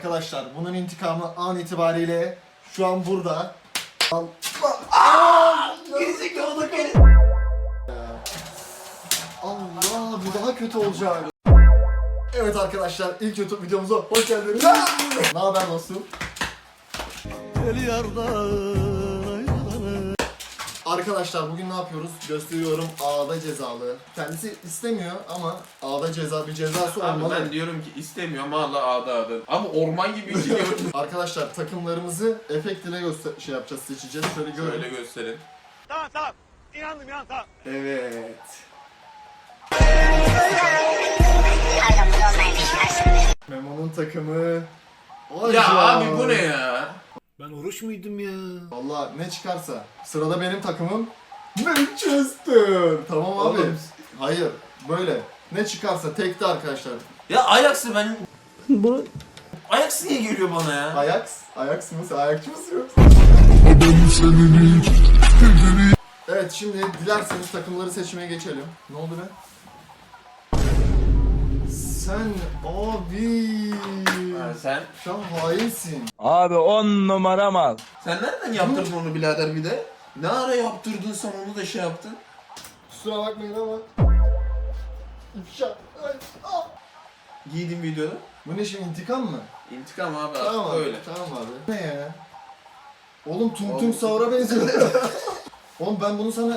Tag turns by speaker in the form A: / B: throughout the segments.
A: Arkadaşlar bunun intikamı an itibariyle şu an burada.
B: Gerizekalı geri.
A: Allah, bu daha kötü olacak. Evet arkadaşlar, ilk YouTube videomuza hoş geldiniz. Ne haber dostum? Arkadaşlar bugün ne yapıyoruz? Gösteriyorum, A'da cezalı. Kendisi istemiyor ama A'da bir cezası
B: Abi
A: olmalı.
B: ben diyorum ki istemiyorum hala ağda. Ama orman gibi bir şey gördüm.
A: Arkadaşlar takımlarımızı efekt ile yapacağız, seçeceğiz. Şöyle görün.
B: Şöyle gösterin.
C: Tamam. İnandım tamam.
A: Evet. Memo'nun takımı.
B: Ya
A: Hocam.
B: abi bu ne ya?
D: Ben oruç muydum ya?
A: Vallahi ne çıkarsa. Sırada benim takımım Manchester. Tamam abi.
B: Oğlum.
A: Hayır. Böyle. Ne çıkarsa tekte arkadaşlar.
B: Ya Ajax'ı ben... Bunu... Ajax niye geliyor bana ya?
A: Ajax mı? Sen Ajax'çı mısın yoksa? Evet, şimdi dilerseniz takımları seçmeye geçelim. Ne oldu be? Sen abi.
B: Ha, sen
A: hainsin.
D: Abi 10 numara mal.
B: Sen nereden yaptırdın onu birader bir de? Ne ara yaptırdın sen onu da şey yaptın?
A: Kusura bakmayın ama. İfşa. Ay, ah.
B: Giydim videoda.
A: Bu ne şimdi, intikam mı?
B: İntikam abi
A: Tamam
B: artık
A: abi.
B: öyle.
A: Tamam abi. Ne ya? Oğlum Tung
B: Oğlum.
A: Tung Saur'a benziyor. Oğlum ben bunu sana...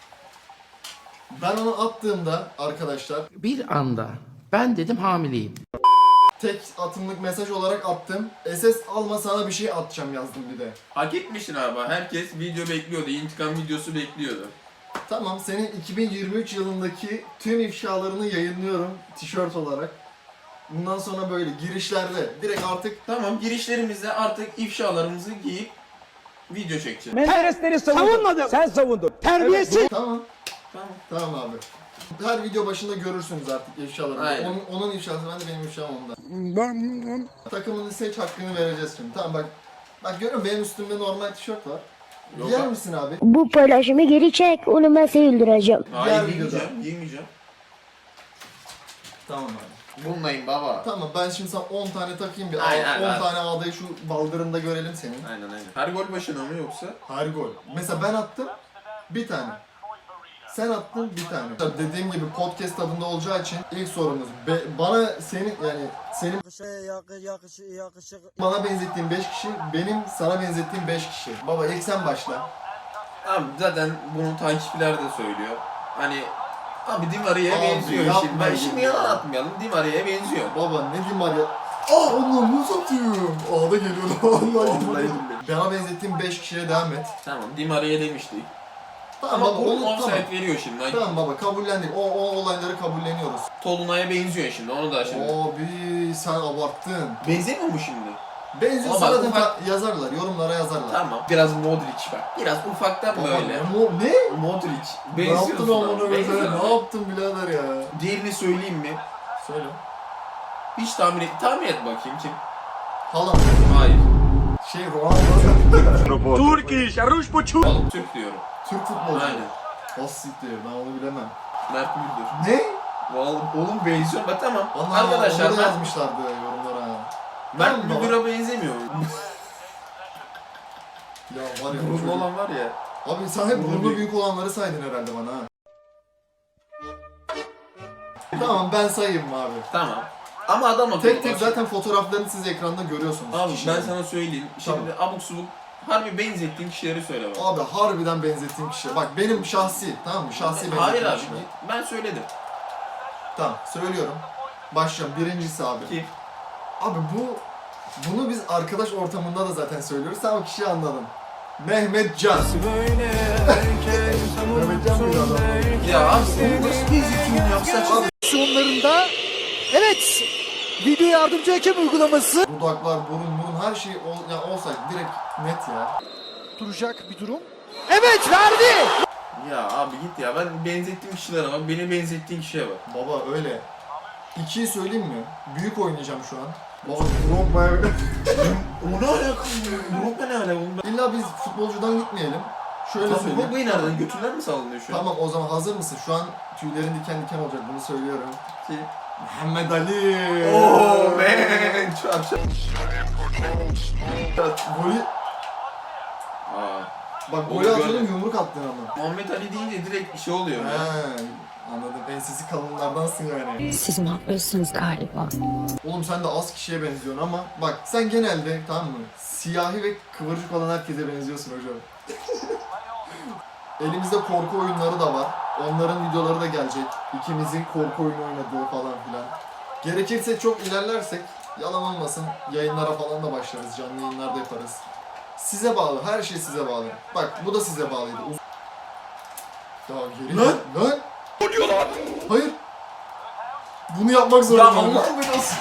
A: Ben onu attığımda arkadaşlar
E: Bir anda ben dedim hamileyim.
A: tek atımlık mesaj olarak attım. SS alma, sana bir şey atacağım yazdım bir de.
B: Hak etmişsin abi. Herkes video bekliyordu. İntikam videosu bekliyordu.
A: Tamam, senin 2023 yılındaki tüm ifşalarını yayınlıyorum tişört olarak. Bundan sonra böyle girişlerde direkt artık
B: Tamam, girişlerimizde artık ifşalarımızı giyip video çekeceğiz.
C: Menderesleri savunmadım. Sen savundun. Terbiyesiz.
A: tamam.
B: Tamam.
A: Tamam abi. Her video başında görürsünüz artık ifşalarını.
B: Aynen.
A: Onun ifşası ben de, benim ifşam onda. Takımını seç, hakkını vereceğiz şimdi. Tamam bak. Bak görüyor musun, benim üstümde normal tişört var.
B: Yok
A: Giyer
B: abi.
A: misin abi?
F: Bu paylaşımı geri çek, onu ben seyirdireceğim.
B: Hayır,
A: Diğer
B: giymeyeceğim, giymeyeceğim.
A: Tamam abi.
B: Bunlayım baba.
A: Tamam, ben şimdi sana 10 tane takayım bir.
B: Aynen,
A: 10
B: aynen.
A: tane ağdayı şu baldırında görelim senin.
B: Aynen. Her gol başına mı yoksa?
A: Her gol. Mesela ben attım bir tane. Sen attın bir tane. Dediğim gibi podcast tadında olacağı için ilk sorumuz bana senin bana benzettiğin 5 kişi, benim sana benzettiğim 5 kişi. Baba ilk sen başla.
B: Abi zaten bunu takipçiler de söylüyor. Hani abi Di Maria'ya
A: Abi,
B: benziyor
A: yapma
B: şimdi. Ben şimdi
A: ya.
B: yalan atmayalım. Di Maria'ya benziyor.
A: Baba ne diyeyim var ya. Onu satayım. Ağda geliyor.
B: Vallahi billahi.
A: Bana benzettiğim 5 kişiye devam et.
B: Tamam, Di Maria demiştik.
A: Tamam
B: Ama
A: baba,
B: bunu
A: onu tamam.
B: offside veriyor şimdi.
A: Tamam baba, kabullendik. O olayları kabulleniyoruz.
B: Tolunay'a benziyor şimdi. Onu da şimdi.
A: Abi sen abarttın.
B: Benzemiyor mu şimdi?
A: Benziyorsa
B: Ama
A: zaten
B: ufak-
A: yazarlar, yorumlara yazarlar.
B: Tamam. Biraz Modric bak. Biraz ufaktan
A: Baba,
B: böyle.
A: ne?
B: Modric.
A: Ne yaptın
B: Benziyorsun
A: amına
B: abi.
A: koyayım?
B: Benziyorsun.
A: Ne yaptın birader ya?
B: Diğerini söyleyeyim mi?
A: Söyle.
B: Hiç tahmin et bakayım kim?
A: Haaland.
B: Hayır.
A: Ronaldo.
C: Turkish, Ruş bu çu.
B: Oğlum Türk diyorum.
A: Türk futbolcu.
B: Aynen.
A: Az siktir, ben onu bilemem.
B: Mert Müldür.
A: Ne?
B: Vallahi oğlum benziyor. Bak tamam.
A: Ana,
B: Arkadaşlar
A: onu da
B: Mert,
A: yazmışlardı yorumlara.
B: Mert
A: Tamam baba.
B: Müldür'e benzemiyor.
A: Ya var ya, bu
B: Burunlu
A: çocuk-
B: olan var ya.
A: Abi sen hep
B: Burnu
A: burnu
B: büyük.
A: büyük olanları saydın herhalde bana ha. Tamam, ben sayayım abi.
B: Tamam. Ama adam akıllı.
A: Tek tek
B: bak.
A: zaten fotoğraflarını siz ekranda görüyorsunuz.
B: Abi ben
A: kişilerin.
B: sana söyleyeyim. Şimdi abuk subuk harbi benzettiğin kişileri söyle bak.
A: Abi harbiden benzettiğim kişi. Bak benim şahsi, tamam mı? Şahsi benzettiğim
B: Hayır abi.
A: kişi.
B: Ben söyledim.
A: Tamam, söylüyorum. Başlıyorum. Birincisi abi.
B: Kim?
A: Abi bunu biz arkadaş ortamında da zaten söylüyoruz. Sen o kişiyi anladın. Mehmet Can. Mehmet Can mıydı adam?
B: Ya abi bunu nasıl benzetiyorsun ya? Saçma.
C: Sonlarında evet video yardımcı hakem uygulaması.
A: Dudaklar, burun her şey olsaydı direkt net ya.
C: Duracak bir durum. Evet verdi.
B: Ya abi git ya. Ben benzettiğim kişilere bak. Beni benzettiğin kişiye bak.
A: Baba öyle. 2'yi söyleyeyim mi? Büyük oynayacağım şu an. Baba Drogba'ya...
B: O ne alakalı? Drogba ne alakalı?
A: İlla biz futbolcudan gitmeyelim. Şöyle
B: Tamam,
A: söyleyeyim.
B: Drogba'yı nereden? Götünden mi sallanıyor şu an?
A: Tamam, o zaman hazır mısın? Şu an tüylerin diken diken olacak, bunu söylüyorum.
B: Ki,
A: Muhammed Ali.
B: Oh man. Çat.
A: Golü...
B: Aa.
A: Bak
B: Onu
A: golü atıyordum
B: gördüm.
A: yumruk attın ama.
B: Muhammed Ali deyince direkt bir şey oluyor ya.
A: He, anladım. Ensesi kalınlardansın yani.
F: Siz mahvolsunuz galiba.
A: Oğlum sen de az kişiye benziyorsun ama bak sen genelde tamam mı? Siyahi ve kıvırcık olan herkese benziyorsun hocam. Elimizde korku oyunları da var. Onların videoları da gelecek. İkimizin korku oyunu oynadığı falan filan. Gerekirse çok ilerlersek yalan olmasın yayınlara falan da başlarız. Canlı yayınlarda yaparız. Size bağlı. Her şey size bağlı. Bak bu da size bağlıydı. Ya geri lan! Lan! Ne oluyor lan? Hayır. Bunu yapmak zorundayım.
B: Allah belasın.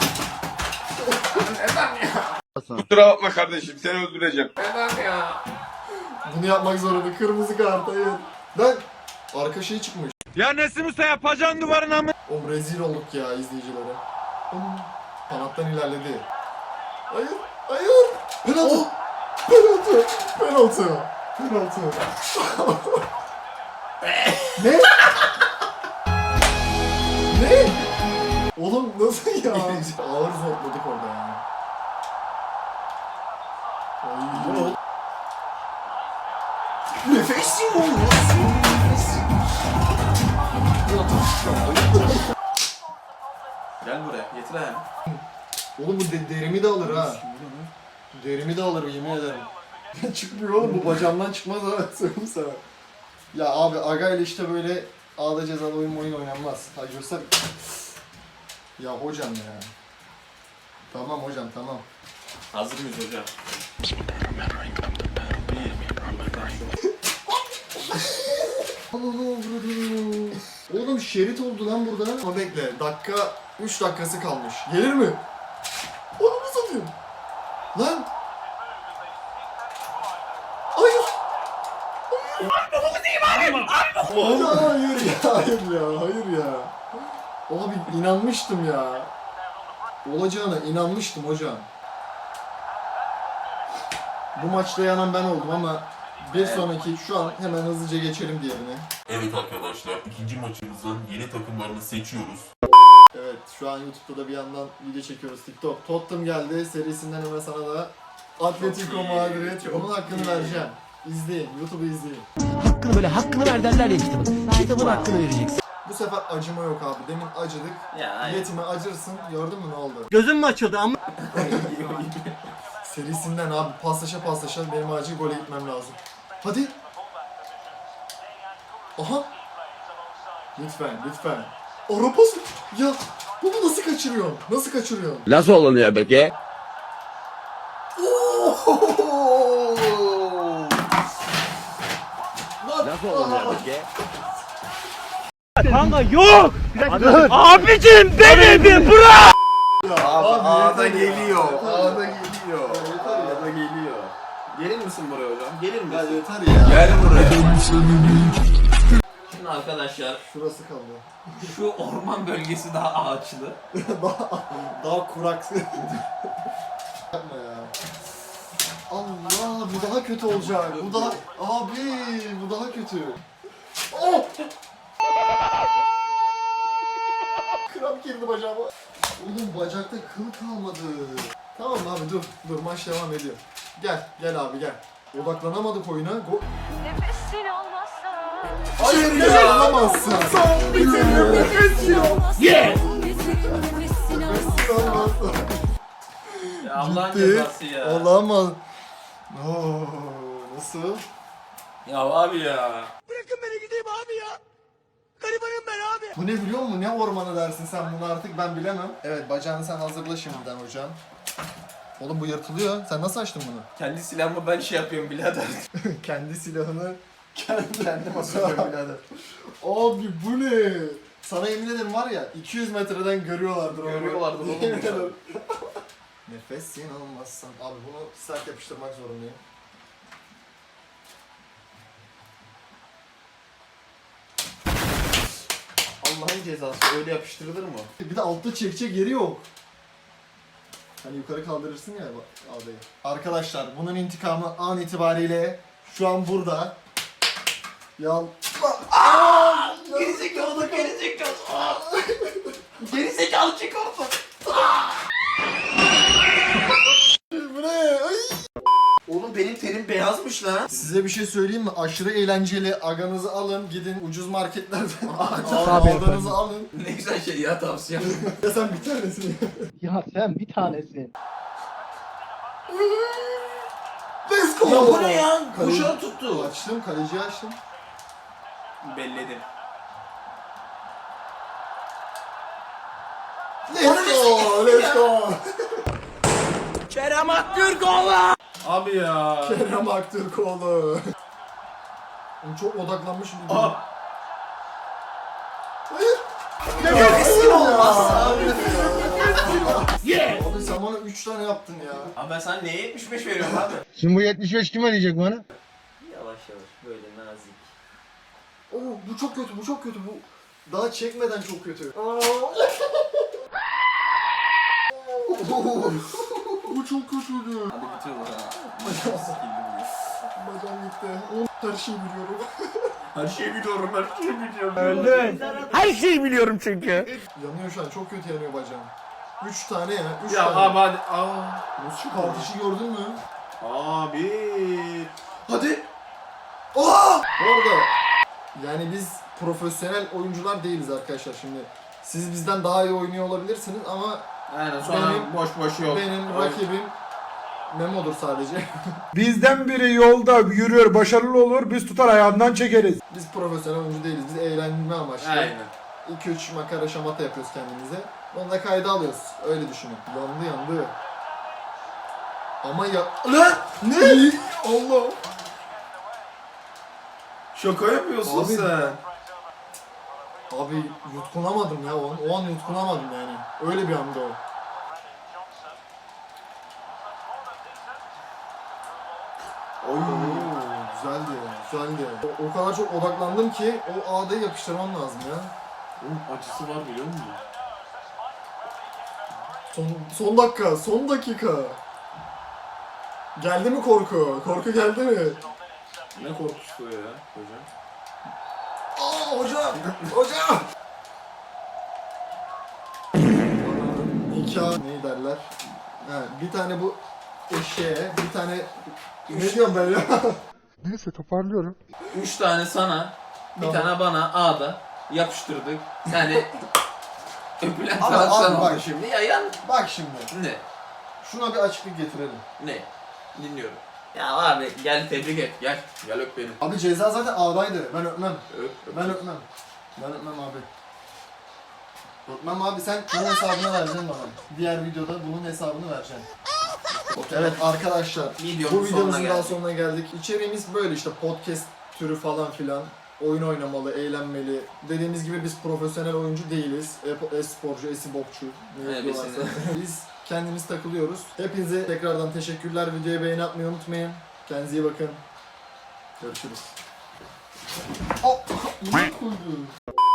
G: Kusura bakma kardeşim, seni öldüreceğim.
B: Neden ya?
A: Bunu yapmak zorunda. Kırmızı kart hayır. Lan! Arka şey çıkmış.
G: Ya Nesim Usta yapacağın duvarına mı?
A: Oğlum rezil olduk ya izleyicilere. Kanattan ilerledi. Hayır! Hayır! Penaltı! Penaltı! Penaltı! Penaltı! Ne? Ne? Oğlum nasıl ya? Ağır zorladık orada ya. Ay.
B: Nefes yok. Gel buraya, getir ayağını.
A: Oğlum bu derimi de alır ha. Derimi de alır yemin ederim. Çıkmıyor oğlum bu bacağımdan çıkmaz ha söyleyeyim sana. Ya abi Aga ile işte böyle ağda cezalı oyun oynanmaz. Hadi göster. Ya hocam ya. Tamam hocam tamam.
B: Hazır mıyız hocam?
A: Oğlum şerit oldu lan burada. Ama bekle dakika 3 dakikası kalmış. Gelir mi? Onu mu satayım? Lan! Hayır! Hayır ya, hayır ya, hayır ya. Abi inanmıştım ya. Olacağına inanmıştım hocam. Bu maçta yanan ben oldum ama bir sonraki şu an hemen hızlıca geçelim diğerine.
H: Evet arkadaşlar, ikinci maçımızın yeni takımlarını seçiyoruz.
A: Evet şu an YouTube'da da bir yandan video çekiyoruz TikTok. Tottenham geldi serisinden hemen sana da Atletico Madrid. Onun hakkını vereceğim. İzleyin, YouTube'u izleyin.
E: Hakkını böyle hakkını ver derler ya kitabın. Kitabın hakkını vereceksin.
A: Bu sefer acıma yok abi. Demin acıdık.
B: Ya
A: Yetime acırsın. Gördün mü ne oldu?
C: Gözüm mü açıldı ama?
A: Serisinden abi paslaşa paslaşa benim acil gole gitmem lazım. Hadi. Aha. Lütfen, lütfen. Ara pası. Ya bunu nasıl kaçırıyorsun? Nasıl kaçırıyorsun?
D: Nasıl oluyor peki? Nasıl oluyor peki?
C: Kanka yok. Abicim beni bir bırak.
B: Abi ağda
A: yeter ya.
B: geliyor. Ağda geliyor.
A: yeter ya.
B: Ağda geliyor. Gelir misin buraya hocam? Gelir
A: Ya
B: misin?
A: yeter ya.
B: Gel buraya. Şimdi arkadaşlar
A: Şurası kaldı.
B: şu orman bölgesi daha ağaçlı.
A: Daha kurak. Yapma ya. Allah bu daha kötü olacak. Bu daha abi bu daha kötü. Oh! Kramp girdi bacağıma. Oğlum bacakta kıl kalmadı. Tamam abi dur maç devam ediyor. Gel abi gel. Odaklanamadık oyuna.
I: Nefesin olmazsa
A: Hayır ya alamazsın. Son bir kere nefes yok.
I: Yeah!
B: Ya Allah'ın
A: Gitti.
B: cezası ya.
A: Olamaz. Oo, nasıl?
B: Ya abi ya.
C: Bırakın beni gideyim abi ya. Garibanım ben abi.
A: Bu ne biliyor musun? Ne ormanı dersin sen bunu artık ben bilemem. Evet bacağını sen hazırla şimdiden hocam. Oğlum bu yırtılıyor. Sen nasıl açtın bunu?
B: Kendi silahımı ben şey yapıyorum birader.
A: Kendi silahını kendim hazırlıyorum birader. Abi bu ne? Sana yemin ederim var ya 200 metreden görüyorlardır onu.
B: Görüyorlardır oğlum
A: Yemin
B: ya.
A: ederim. Nefes inanılmazsan. Abi bunu sert yapıştırmak zorundayım.
B: Allah'ın cezası öyle yapıştırılır mı?
A: Bir de altta çekecek yeri yok. Hani yukarı kaldırırsın ya ağdayı. Arkadaşlar bunun intikamı an itibariyle şu an burada. Gerizekalı.
B: Gerizekalı çık oradan.
A: Bu ne? Ay.
B: Oğlum benim terim beyazmış lan.
A: Size bir şey söyleyeyim mi? Aşırı eğlenceli. Aganızı alın, gidin ucuz marketlerden
C: Tabii
A: aldanızı alın.
B: Ne güzel şey ya, tavsiye.
A: Ya sen bir tanesini.
C: Ya sen bir tanesin.
A: Let's go.
B: Ya bu ne ya?
A: Kaleci-
B: Kuşağı tuttu.
A: Açtım, kaleciyi açtım.
B: Belledim.
A: Let's go, let's go.
E: Kerem Aktürkoğlu.
B: Abi ya.
A: Kerem Aktürkoğlu. Çok odaklanmış bir
B: Aa.
A: Hayır.
B: Kesin olmaz abi.
A: Abi sen bana 3 tane yaptın ya.
B: Abi ben sana neye 75 veriyorum abi?
C: Şimdi bu 75 kim ödeyecek bana?
B: Yavaş yavaş böyle nazik.
A: Oo, bu çok kötü, bu çok kötü. Bu daha çekmeden çok kötü. Bu çok kötüydü.
B: Hadi bitiyoruz ha.
A: Bacağım gitti. Her şeyi biliyorum.
B: Her şeyi biliyorum, her şeyi biliyorum.
C: Öldün. Her şeyi biliyorum çünkü.
A: Yanıyor şu an, çok kötü yanıyor bacağım. 3 tane ya, 3
B: Ya
A: tane.
B: abi hadi.
A: Şu kardeşi gördün mü?
B: Abi. Hadi.
A: Bu arada yani biz profesyonel oyuncular değiliz arkadaşlar şimdi. Siz bizden daha iyi oynuyor olabilirsiniz ama
B: Aynen sonra
A: Benim-
B: boş boş yok.
A: benim rakibim Memo'dur sadece.
J: Bizden biri yolda yürüyor, başarılı olur, biz tutar ayağından çekeriz.
A: Biz profesyonel oyuncu değiliz. Biz eğlenme amaçlı.
B: Aynen.
A: 2-3 makara şamata yapıyoruz kendimize. Onu da kayda alıyoruz. Öyle düşünün. Yandı. Ama ya... Lan! Ne? Allah!
B: Şaka yapıyorsun
A: Abi-
B: sen.
A: Abi yutkunamadım ya o an yutkunamadım yani. Öyle bir anda o.
B: Oy.
A: Güzeldi. O kadar çok odaklandım ki o A'dayı yapıştırmam lazım ya.
B: Oğlum acısı var biliyor musun?
A: Son dakika. Geldi mi korku? Korku geldi mi?
B: Ne korkusu ya hocam?
A: Aa hocam! Nikah ne derler? Ha, bir tane bu eşeğe, bir tane ne diyorum ben ya?
J: Neyse toparlıyorum.
B: 3 tane sana, bir
A: Tamam.
B: tane bana A'da yapıştırdık. Yani öpülen
A: Ama
B: taraf sen
A: abi bak
B: oldun şimdi. Ya yan
A: Bak şimdi,
B: ne?
A: şuna bir açıklık getirelim.
B: Ne? Dinliyorum. Ya abi gel tebrik et. Gel. Gel öp beni.
A: Abi ceza zaten A'daydı. Ben öpmem.
B: Öp.
A: Ben öpmem abi. Öpmem abi, sen bunun hesabını vereceksin bana. Diğer videoda bunun hesabını vereceksin. Evet arkadaşlar,
B: Videonun
A: bu
B: sonuna
A: videomuzun daha
B: geldik.
A: sonuna geldik. İçeriğimiz böyle işte podcast türü falan filan. Oyun oynamalı, eğlenmeli. Dediğimiz gibi biz profesyonel oyuncu değiliz. E-sporcu, esibokçu. Ne
B: Evet,
A: diyorlarsa. Biz kendimiz takılıyoruz. Hepinize tekrardan teşekkürler. Videoya beğeni atmayı unutmayın. Kendinize iyi bakın. Görüşürüz. Oh, ne koydun?